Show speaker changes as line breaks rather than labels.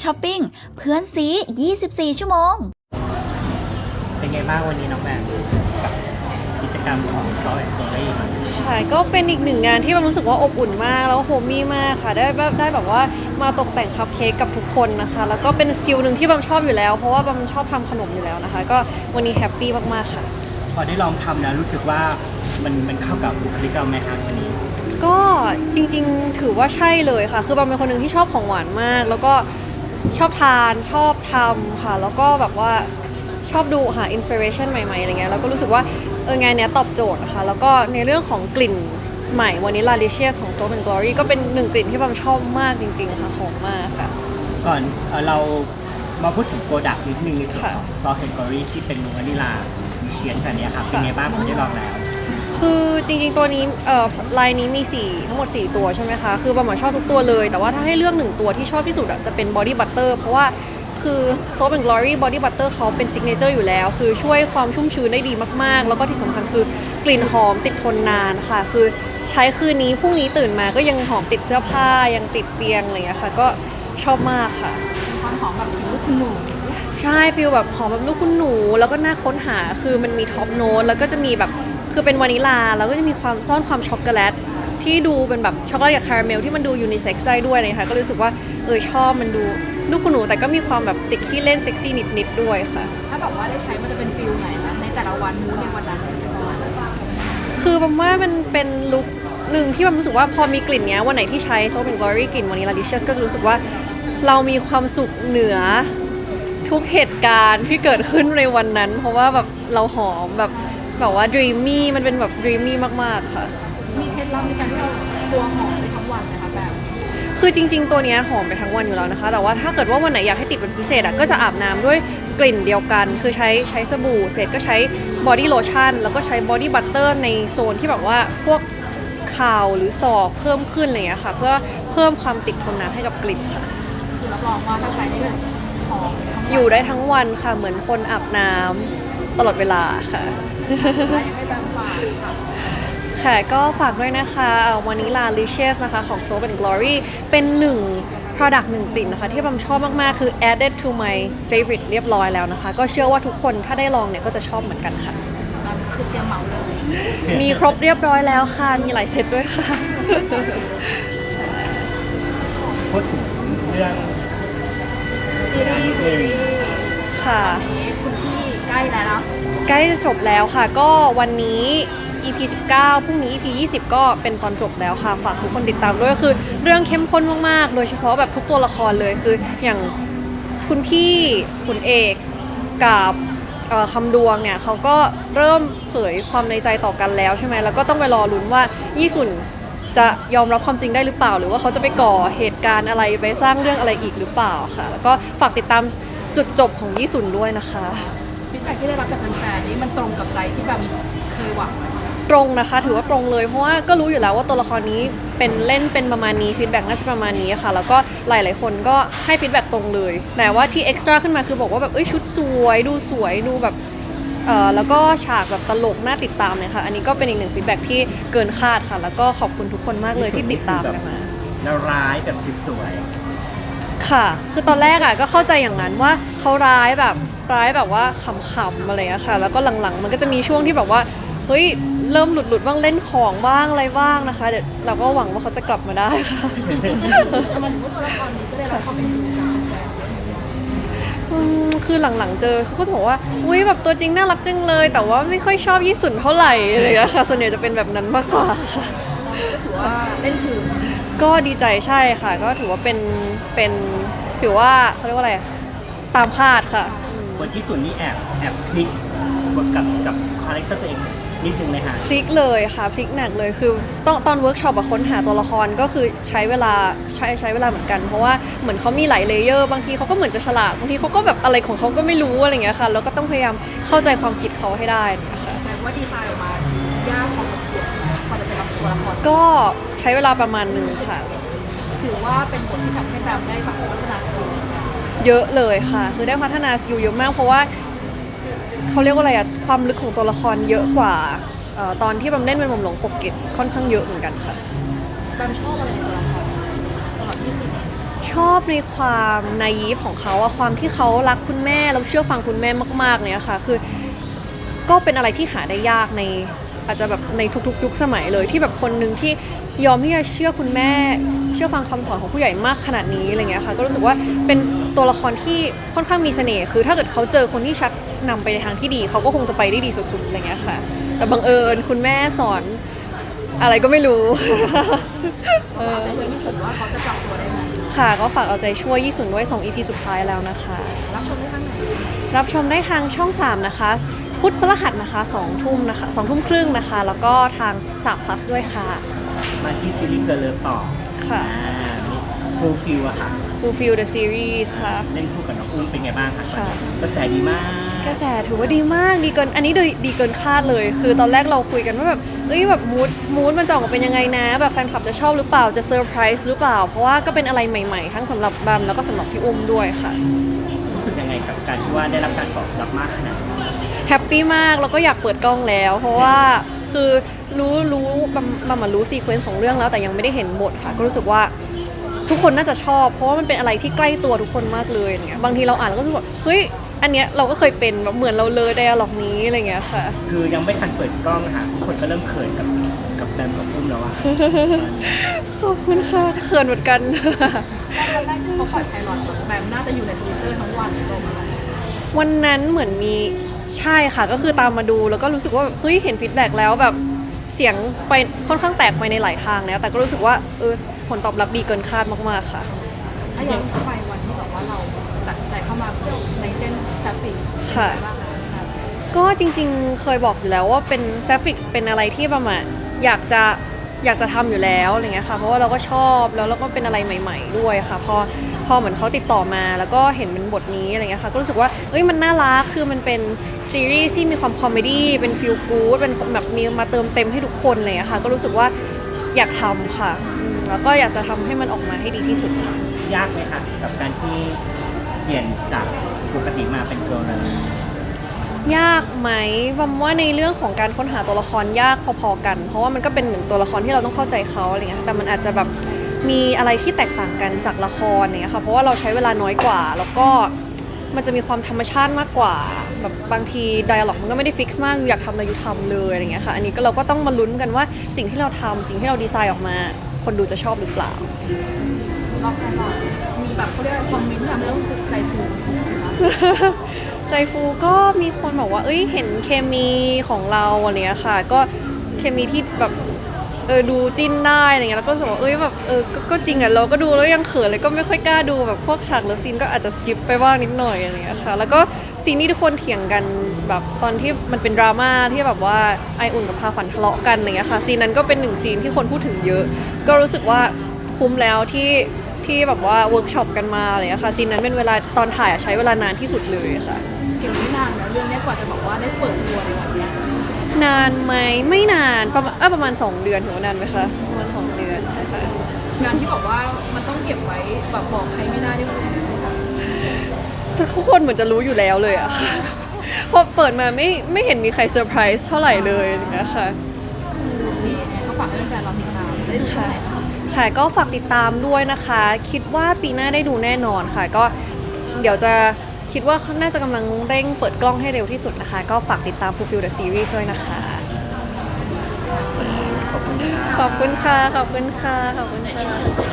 ช้อปปิ้งเพื่อนซี 24 ชั่วโมง
เป็นไงบ้างวันนี้น้องแบมกับกิจกรรมของซอฟต์แวร์เกอรี่
ค่ะก็เป็นอีกหนึ่งงานที่มันรู้สึกว่าอบอุ่นมากแล้วโฮมมี่มากค่ะได้แบบว่ามาตกแต่งคัพเค้กกับทุกคนนะคะแล้วก็เป็นสกิลหนึ่งที่บัมชอบอยู่แล้วเพราะว่าบัมชอบทำขนมอยู่แล้วนะคะก็วันนี้แฮปปี้มากๆค่ะ
พอได้ลองทำแล้วรู้สึกว่ามันเข้ากับบุคลิกเราไหมคะวันนี้
ก็จริงๆถือว่าใช่เลยค่ะคือบัมเป็นคนหนึ่งที่ชอบของหวานมากแล้วก็ชอบทานชอบทำค่ะแล้วก็แบบว่าชอบดูหาอินสปิเรชันใหม่ๆอะไรเงี้ยแล้วก็รู้สึกว่างานเนี้ยตอบโจทย์นะคะแล้วก็ในเรื่องของกลิ่นใหม่วันนี้Liciousของ Soap and Glory ก็เป็นหนึ่งกลิ่นที่บัมชอบมากจริงๆค่ะหอมมากค่ะ
ก่อนเรามาพูดถึงโปรดักต์นิดนึงในส่วนของซอฟต์แวร์เกอรี่ที่เป็นวานิลามิเชียสอันนี้ค่ะเป็นไงบ้างคุณได้ลองแล้ว
คือจริงๆตัวนี้ลายนี้มีทั้งหมด4ตัวใช่ไหมคะคือบัมชอบทุกตัวเลยแต่ว่าถ้าให้เลือก1ตัวที่ชอบที่สุดจะเป็น Body Butter เพราะว่าคือ Soap and Glory Body Butter เขาเป็นซิกเนเจอร์อยู่แล้วคือช่วยความชุ่มชื้นได้ดีมากๆแล้วก็ที่สำคัญคือกลิ่นหอมติดทนนานค่ะคือใช้คืนนี้พรุ่งนี้ตื่นมาก็ยังหอมติดเสื้อผ้ายังติดเตียงอะไรอย่างเงี้ยค่ะก็ชอบมากค่ะ
ความหอมแบบลูกคุณหนู
ใช่ฟีลแบบหอมแบบลูกคุณหนูแล้วก็น่าค้นหาคือมันมีท็อปโน้ตแล้วก็จะมีแบบคือเป็นวานิลาแล้วก็จะมีความซ่อนความช็อกโกแลตที่ดูเป็นแบบช็อกโกแลตกับคาราเมลที่มันดูยูนิเซ็กซ์ได้ด้วยเลยค่ะก็รู้สึกว่าชอบมันดูลูกคุณหนูแต่ก็มีความแบบติดขี้เล่นเซ็กซี่นิดๆด้วยค่ะ
ถ้าแบบว่าได้ใช้มันจะเป็นฟิลไหนนะในแต่ละวันมูดในวันนั้น
คือบัมว่ามันเป็นลุคหนึ่งที่บัมรู้สึกว่าพอมีกลิ่นเนี้ยวันไหนที่ใช้ Soap and Glory กลิ่นวานิลา Licious ก็จะรู้สึกว่าเรามีความสุขเหนือทุกเหตุการณ์ที่เกิดขึ้นในวันนั้นเพราะว่าแบบเราหอมแบบว่า dreamy มันเป็นแบบ dreamy มากๆค่ะ
มีเคล็ดลับในการที่เราตัวหอมไปทั้งวันนะคะแบบ
คือจริงๆตัวนี้หอมไปทั้งวันอยู่แล้วนะคะแต่ว่าถ้าเกิดว่าวันไหนอยากให้ติดเป็นพิเศษก็จะอาบน้ำด้วยกลิ่นเดียวกันคือใช้สบู่เสร็จก็ใช้ body lotion แล้วก็ใช้ body butter ในโซนที่แบบว่าพวกข่าวหรือศอกเพิ่มขึ้นอะไรอย่างเงี้ยค่ะเพื่อเพิ่มความติดทนนานให้กับกลิ่นค่ะ
คือรับรองว่าถ้าใช้นี่ก็หอม
อยู่ได้ทั้งวันค่ะเหมือนคนอาบน้ำตลอดเวลาค่ะ
ให้แบบฝากค่ะ
ค่ะก็ฝากด้วยนะคะวานิลา Licious นะคะของ Soap and Glory เป็นproduct 1กลิ่นนะคะที่บัมชอบมากๆคือ added to my favorite เรียบร้อยแล้วนะคะก็เชื่อว่าทุกคนถ้าได้ลองเนี่ยก็จะชอบเหมือนกันค่ะ
คือเตรียมเหมาเลย
มีครบเรียบร้อยแล้วค่ะมีหลายเซตด้วยค่ะ
พูดถึงเรื่อง
ซีรีส์
ค่ะ
คุณพี่ใกล้แล้วเนาะ
ใกล้จะจบแล้วค่ะก็วันนี้ EP 19พรุ่งนี้ EP 20ก็เป็นตอนจบแล้วค่ะฝากทุกคนติดตามด้วยคือเรื่องเข้มข้นมากๆโดยเฉพาะแบบทุกตัวละครเลยคืออย่างคุณพี่คุณเอกกับคำดวงเนี่ยเขาก็เริ่มเผยความในใจต่อกันแล้วใช่ไหมแล้วก็ต้องไปรอลุ้นว่ายี่สุนจะยอมรับความจริงได้หรือเปล่าหรือว่าเขาจะไปก่อเหตุการณ์อะไรไปสร้างเรื่องอะไรอีกหรือเปล่าค่ะแล้วก็ฝากติดตามจุดจบของยี่สุนด้วยนะคะ
ฟีดแบ็กที่ได้รับจากแฟนๆนี้มันตรงกับใจที่แบบเคยหวัง
ตรงนะคะถือว่าตรงเลยเพราะว่าก็รู้อยู่แล้วว่าตัวละครนี้เป็นประมาณนี้ฟีดแบ็กน่าจะประมาณนี้ค่ะแล้วก็หลายๆคนก็ให้ฟีดแบ็กตรงเลยแต่ว่าที่เอ็กซ์ตร้าขึ้นมาคือบอกว่าแบบชุดสวยดูแบบแล้วก็ฉากแบบตลกน่าติดตามเนี่ยค่ะอันนี้ก็เป็นอีกหนึ่งฟีดแบ็กที่เกินคาดค่ะแล้วก็ขอบคุณทุกคนมากเลยที่ติดตามกันมา
แล้วร้ายแบบสวย
ค่ะคือตอนแรกก็เข้าใจอย่างนั้นว่าเขาร้ายแบบว่าขำๆอะไรอะค่ะแล้วก็หลังๆมันก็จะมีช่วงที่แบบว่าเฮ้ยเริ่มหลุดบ้างเล่นของบ้างอะไรบ้างนะคะเดี๋ยวเราก็หวังว่าเขาจะกลับมาได้ค่ะ
มันว่าตัวละครนี้ก็ได้รับความเป็น
คือหลังๆเจอเขาจะบอกว่าอุ้ยแบบตัวจริงน่ารักจังเลยแต่ว่าไม่ค่อยชอบยี่สุนเท่าไหร่อะไรอย่างเงี้ยค่ะส่วนใหญ่จะเป็นแบบนั้นมากกว่าค่ะ
ถือว่าเล่นถึง
ก็ดีใจใช่ค่ะก็ถือว่าเป็นถือว่าเขาเรียกว่าอะไรตามคาดค่ะ
บทที่สุดนี่แอบพลิกบทกับคาแรคเตอร์ตัวเองนิดนึงไหมคะ
พลิกเลยค่ะพลิกหนักเลยคือตอนเวิร์กช็อปค้นหาตัวละครก็คือใช้เวลาเหมือนกันเพราะว่าเหมือนเขามีหลายเลเยอร์บางทีเขาก็เหมือนจะฉลาดบางทีเขาก็แบบอะไรของเขาก็ไม่รู้อะไรเงี้ยค่ะแล้วก็ต้องพยายามเข้าใจความคิดเขาให้ได้นะคะ
แต่ว่าดีไซน์ออกมายากพอจะเป็นตัวละคร
ก็ใช้เวลาประมาณนึงค่ะ
ถือว่าเป็นบทที่ทำให้แบบได้พัฒนาสกิล
เยอะเลยค่ะคือได้พัฒนาสกิลเยอะมากเพราะว่าเขาเรียกว่าอะไรความลึกของตัวละครเยอะกว่าตอนที่บัมเล่นเป็นหม่อมหลวงปกเกตค่อนข้างเยอะเหมือนกันค่ะ
บัมชอบอะไรในตัวละครสำหรับที่สุด
ชอบในความนายีฟของเขาอะความที่เขารักคุณแม่แล้วเชื่อฟังคุณแม่มากๆเนี่ยค่ะคือก็เป็นอะไรที่หาได้ยากในอาจจะแบบในทุกๆยุคสมัยเลยที่แบบคนหนึ่งที่ยอมที่จะเชื่อคุณแม่เชื่อฟังคำสอนของผู้ใหญ่มากขนาดนี้อะไรเงี้ยค่ะก็รู้สึกว่าเป็นตัวละครที่ค่อนข้างมีเสน่ห์คือถ้าเกิดเขาเจอคนที่ชักนำไปในทางที่ดีเขาก็คงจะไปได้ดีสุดๆอะไรเงี้ยค่ะแต่บังเอิญคุณแม่สอนอะไรก็ไม่รู้
แต่เพื่อนยี่สุดว่าเขาจะปรับตัวได้ไหม
ค่ะก็ฝากเอาใจช่วยยี่สุนด้วย2 EP สุดท้ายแล้วนะคะ
รับชมได้ทางไหน
รับชมได้ทางช่อง 3 นะคะ พุธพฤหัสนะคะ2 ทุ่มนะคะ2 ทุ่มครึ่งนะคะ แล้วก็ทาง3 plus ด้วยค่ะ
มาที่ซีรีส์เกิร์ลเลิฟต่อ
ค่ะ
ฟูลฟิลอะค่ะ
Fulfill the series ค่ะ
เล่นคู่กับน้องอุ้มเป็นไงบ้างคะ
ค่ะ
กระแสดีมาก
กระแสถือว่าดีมากดีเกินอันนี้ดีเกินคาดเลย คือตอนแรกเราคุยกันว่าแบบแบบมูดมันจะออกมาเป็นยังไงนะแบบแฟนคลับจะชอบหรือเปล่าจะเซอร์ไพรส์หรือเปล่า เพราะว่าก็เป็นอะไรใหม่ๆ ทั้งสำหรับบัมแล้วก็สำหรับพี่อุ้มด้วยค่ะ
รู้สึกยังไงกับการที่ว่าได้รับการตอบรับมากขนาดนี้
แฮปปี้มากแล้วก็อยากเปิดกล้องแล้ว เพราะว่าคือรู้บัมรู้ซีเควนซ์ของเรื่องแล้วแต่ยังไม่ได้เห็นบทค่ะ ก็รู้สึกว่าทุกคนน่าจะชอบ เพราะว่ามันเป็นอะไรที่ใกล้ตัวทุกคนมากเลยอย่างเงี้ยบางทีเราอ่านแล้วก็รู้สึกว่าเฮ้ยอันเนี้ยเราก็เคยเป็นแบบเหมือนเราเลยไดอะล็อกนี้อะไรเงี้ยค่ะ
คือยังไม่ทันเปิดกล้องอะค่ะทุกคนก็เริ่มเขินกับแบมกับอุ้มแล้วอะ
ขอบคุณค่ะเขินเหมือนกัน
วันแรกที่เขาปล่อยไพลอตแบมน่าจะอยู่ในทวิตเตอร์ทั้งวันตรงนั้น
วันนั้นเหมือนมีใช่ค่ะก็คือตามมาดูแล้วก็รู้สึกว่าเฮ้ยเห็นฟีดแบ็กแล้วแบบเสียงไปค่อนข้างแตกไปในหลายทางแล้วแต่ก็รู้สึกว่าผลตอบรับดีเกินคาดมากๆค่ะ
ถ้าย้อนไปวันที่แบบว่าเราตัดสินใจเข้ามาในเส้นแซฟฟิก
ค่ะ
บ้างคะ
ก็จริงๆเคยบอกอยู่แล้วว่าเป็นแซฟิกเป็นอะไรที่ประมาณอยากจะทำอยู่แล้วอะไรเงี้ยค่ะเพราะว่าเราก็ชอบแล้วเราก็เป็นอะไรใหม่ๆด้วยค่ะพอเหมือนเขาติดต่อมาแล้วก็เห็นเป็นบทนี้อะไรเงี้ยค่ะก็รู้สึกว่ามันน่ารักคือมันเป็นซีรีส์ที่มีความคอมเมดี้เป็นฟีลกู๊ดเป็นแบบมีมาเติมเต็มให้ทุกคนอะไรเลยค่ะก็รู้สึกว่าอยากทำค่ะแล้วก็อยากจะทำให้มันออกมาให้ดีที่สุดค่ะ
ยากไหมคะกับการที่เปลี่ยนจากปกติมาเป็นเกิร์ลเลิฟ
ยากไหมบัมว่าในเรื่องของการค้นหาตัวละครยากพอๆกัน เพราะว่ามันก็เป็นหนึ่งตัวละครที่เราต้องเข้าใจเขาอะไรเงี้ยแต่มันอาจจะแบบมีอะไรที่แตกต่างกันจากละครเนี่ยค่ะเพราะว่าเราใช้เวลาน้อยกว่า แล้วก็มันจะมีความธรรมชาติมากกว่าแบบบางทีไดอะล็อกมันก็ไม่ได้ฟิกซ์มากอยากทำอะไรอยู่ทำเลยอะไรเงี้ยค่ะอันนี้ก็เราก็ต้องมาลุ้นกันว่าสิ่งที่เราทำสิ่งที่เราดีไซน์ออกมา คนดูจะชอบหรือเปล่า
รอบไพลอตมีแบบเขาเรียกว่าคอมเมนต์แบบเรื่องใจฟูนะคะ
ใจฟูก็มีคนบอกว่าเห็นเคมีของเราอะไรเงี้ยค่ะ ก็เคมีที่แบบดูจิ้นได้อะไรเงี้ยแล้วก็รู้สึกว่าแบบก็จริงอ่ะเราก็ดูแล้วยังเขินเลยก็ไม่ค่อยกล้าดูแบบพวกฉากเลิฟซีนก็อาจจะสกิปไปบ้างนิดหน่อยอะไรเงี้ยค่ะแล้วก็ซีนที่ทุกคนเถียงกันแบบตอนที่มันเป็นดราม่าที่แบบว่าไออุ่นกับพาฝันทะเลาะกันอะไรเงี้ยค่ะซีนนั้นก็เป็นหนึ่งซีนที่คนพูดถึงเยอะ ก็รู้สึกว่าคุ้มแล้วที่แบบว่าเวิร์กช็อปกันมาอะไรเงี้ยค่ะซีนนั้นเป็นเวลาตอนถ่ายใช้เวลานานที่สุดเลยค่ะ
เก็บไม่นานนะเรื่องนี้กว่าจะบอกว่าได้เปิดตัวในวันเนี้ย
นานไหมไม่นานประมาณ2 เดือนถือว่านานไหมคะประมาณ2 เดือนนะคะ
งานที่บอกว่ามันต้องเก็บไว้แบบบอกใครไม่ได้ด้วย
ทุกคนเหมือนจะรู้อยู่แล้วเลยอะ ค่ะพอเปิดมาไม่เห็นมีใครเซอร์ไพรส์เท่าไหร่เลยนะคะ
นี่ก็ฝากให้แฟนๆเราติดตามจะได้ดูช่องไหนคะ
ค่ะก็ฝากติดตามด้วยนะคะ คิดว่าปีหน้าได้ดูแน่นอนค่ะ ก็เดี๋ยวจะคิดว่าน่าจะกำลังเร่งเปิดกล้องให้เร็วที่สุดนะคะ ก็ฝากติดตาม Fulfill the Series ด้วยนะคะ
ขอบคุณค่ะ
ขอบคุณค่ะ ขอบคุณค่ะ ขอบคุณค่ะ